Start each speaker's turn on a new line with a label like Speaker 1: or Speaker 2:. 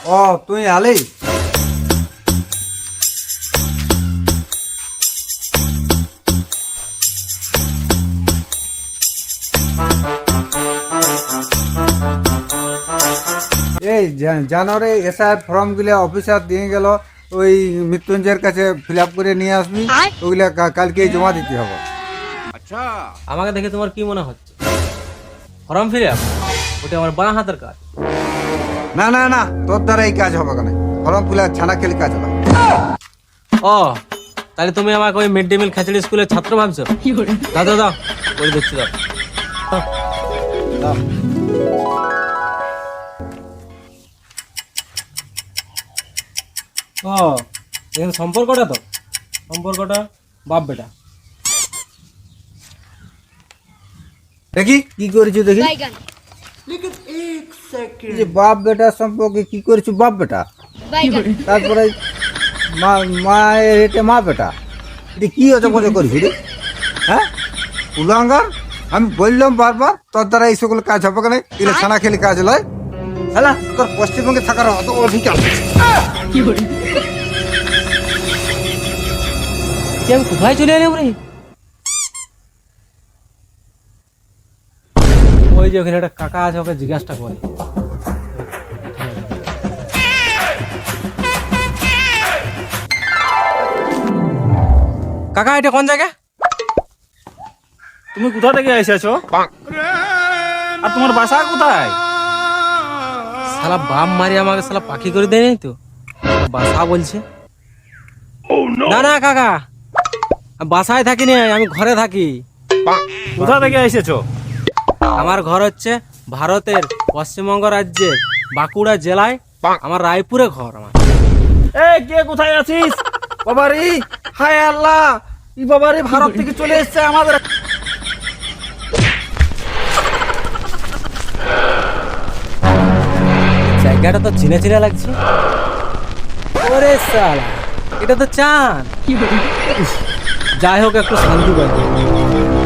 Speaker 1: ও তুই আলি এই জানুয়ারি এসআই ফর্ম গুলো অফিসার দিয়ে গেল, ওই মৃত্যুঞ্জয়ের কাছে ফিল আপ করে নিয়ে আসবি। ওইগুলা কালকে জমা দিতে হবে।
Speaker 2: আমাকে দেখে তোমার কি মনে হচ্ছে? ফর্ম ফিল আপ ওটা আমার বাঁ হাতের কাজ।
Speaker 1: না না না, তোর দ্বারা এই কাজ হবে কেন? ফর্ম ফিল আপ ছানা খেলে কাজ হবে।
Speaker 2: ও তাহলে তুমি আমাকে ওই মিড ডে মিল খেচড়ি স্কুলের ছাত্র ভাবছো? দাও দাও দাও, করে দিচ্ছি, দাও। ও এখানে সম্পর্কটা তো, সম্পর্কটা বাপ বেটা।
Speaker 1: দেখি কি করেছো, দেখি এই যে বাপ বেটা সম্পর্কে কি করেছো, বাপ বেটা। তারপরে মায়ের এটা মা বেটা, এটা কি হচ্ছে মজা করেছি রে? হ্যাঁ উলাঙ্গার, আমি বললাম বারবার তোর দ্বারা এই সকল কাজ হবে কেন? এগুলো ছানা খেলে কাজ লয়। হ্যাঁ তোর পশ্চিমবঙ্গে থাকার অত অধিকার।
Speaker 2: কি আমি কোথায় চলে এলাম রে? ওই যে ওখানে একটা কাকা আছে, ওকে জিজ্ঞাসা করে। কাকা এটা কোন জায়গা?
Speaker 3: তুমি কোথা থেকে এসেছো আর তোমার বাসা কোথায়?
Speaker 2: শালা বাপ মারি আমাকে শালা পাখি করে দেয়নি তো, বাসা বলছে। না না কাকা, আমি বাসায় থাকি না, আমি ঘরে থাকি।
Speaker 3: কোথা থেকে এসেছো?
Speaker 2: আমার ঘর হচ্ছে ভারতের পশ্চিমবঙ্গ রাজ্যের বাঁকুড়া জেলায়, আমার রায়পুরে ঘর আমার।
Speaker 3: এই কে কোথায় আছিস? বাবারি, হায় আল্লাহ, ই বাবারি ভারত থেকে চলে এসেছে আমাদের।
Speaker 2: জায়গাটা তো চিনে চিনে লাগছে। ওরে শালা, এটা তো চাঁদ। যাই হোক একটু শান্তি পাই।